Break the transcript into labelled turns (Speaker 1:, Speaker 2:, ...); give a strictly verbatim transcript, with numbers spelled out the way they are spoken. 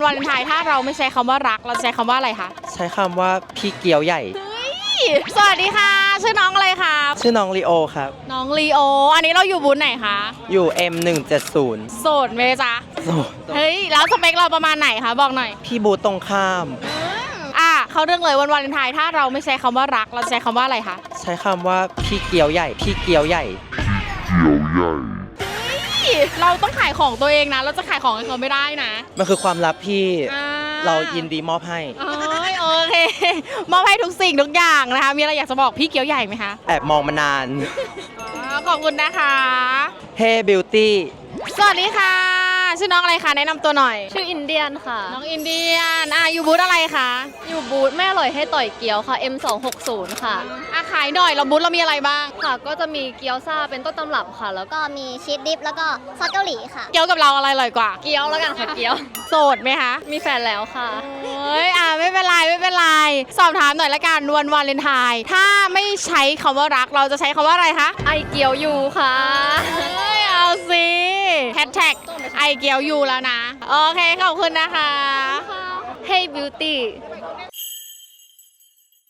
Speaker 1: วาเลนไทน์ถ้าเราไม่ใช้คำว่ารักเราจะใช้คำว่าอะไรคะ
Speaker 2: ใช้คำว่าพี่เกียวใหญ่
Speaker 1: สวัสดีค่ะชื่อน้องอะไรคะ
Speaker 2: ชื่อน้องลีโอครับ
Speaker 1: น้องลีโออันนี้เราอยู่บูธไหนคะ
Speaker 2: อยู่ เอ็ม หนึ่งเจ็ดศูนย์
Speaker 1: โสดไหมจ๊ะ
Speaker 2: โสด
Speaker 1: เฮ้ยแล้วสเปคเราประมาณไหนคะบอกหน่อย
Speaker 2: พี่บูธตรงข้าม
Speaker 1: อ่ะเขาเรื่องเลยวันวาเลนไทน์ถ้าเราไม่ใช้คำว่ารักเราจะใช้คำว่าอะไรคะ
Speaker 2: ใช้คำว่าพี่เกียวใหญ่ พี่เกียวใหญ่
Speaker 1: เราต้องขายของตัวเองนะเราจะขายของให้เขาไม่ได้นะ
Speaker 2: มันคือความลับที่
Speaker 1: อ่า
Speaker 2: เรายินดีมอบให้
Speaker 1: เอ้ยโอเคมอบให้ทุกสิ่งทุกอย่างนะคะมีอะไรอยากจะบอกพี่เกียวใหญ่ไหมคะ
Speaker 2: แอบมองมานาน
Speaker 1: อ๋อขอบคุณนะคะ
Speaker 2: เฮ้บิวตี้
Speaker 1: สวัสดีค่ะชื่อน้องอะไรคะแนะนำตัวหน่อย
Speaker 3: ชื่ออินเดียนค่ะ
Speaker 1: น้องอินเดียนอ่ะอยู่บูธอะไรคะ
Speaker 3: อยู่บูธแม่อร่อยให้ต่อยเกี๊ยวค่ะ เอ็ม สองหกศูนย์ ค่ะ
Speaker 1: อ่ะขายหน่อยเราบูธเรามีอะไรบ้าง
Speaker 3: ค่ะ ก็จะมีเกี๊ยวซ่าเป็นต้นตำรับค่ะ แล้วก็
Speaker 4: ก็มีชีสดิฟแล้วก็ซอสเกาหลีค่ะ
Speaker 1: เกี๊ยวกับเราอะไรอร่อยกว่า
Speaker 3: เกี๊ยวแล้วกันค่ะ เกี๊ยว
Speaker 1: โสดไหมคะ
Speaker 3: มีแฟนแล้วค่ะ
Speaker 1: เฮ้ยอ่ะไม่เป็นไรไม่เป็นไรสอบถามหน่อยละกันวันวาเลนไทน์ถ้าไม่ใช้คำว่ารักเราจะใช้คำว่าอะไรคะ
Speaker 3: ไอเกี๊ยวยูค่ะ
Speaker 1: เฮ้ยเอาสิแฮชแท็กไอเกียวยูแล้วนะ โอเค ขอบคุณนะคะ
Speaker 3: Hey Beauty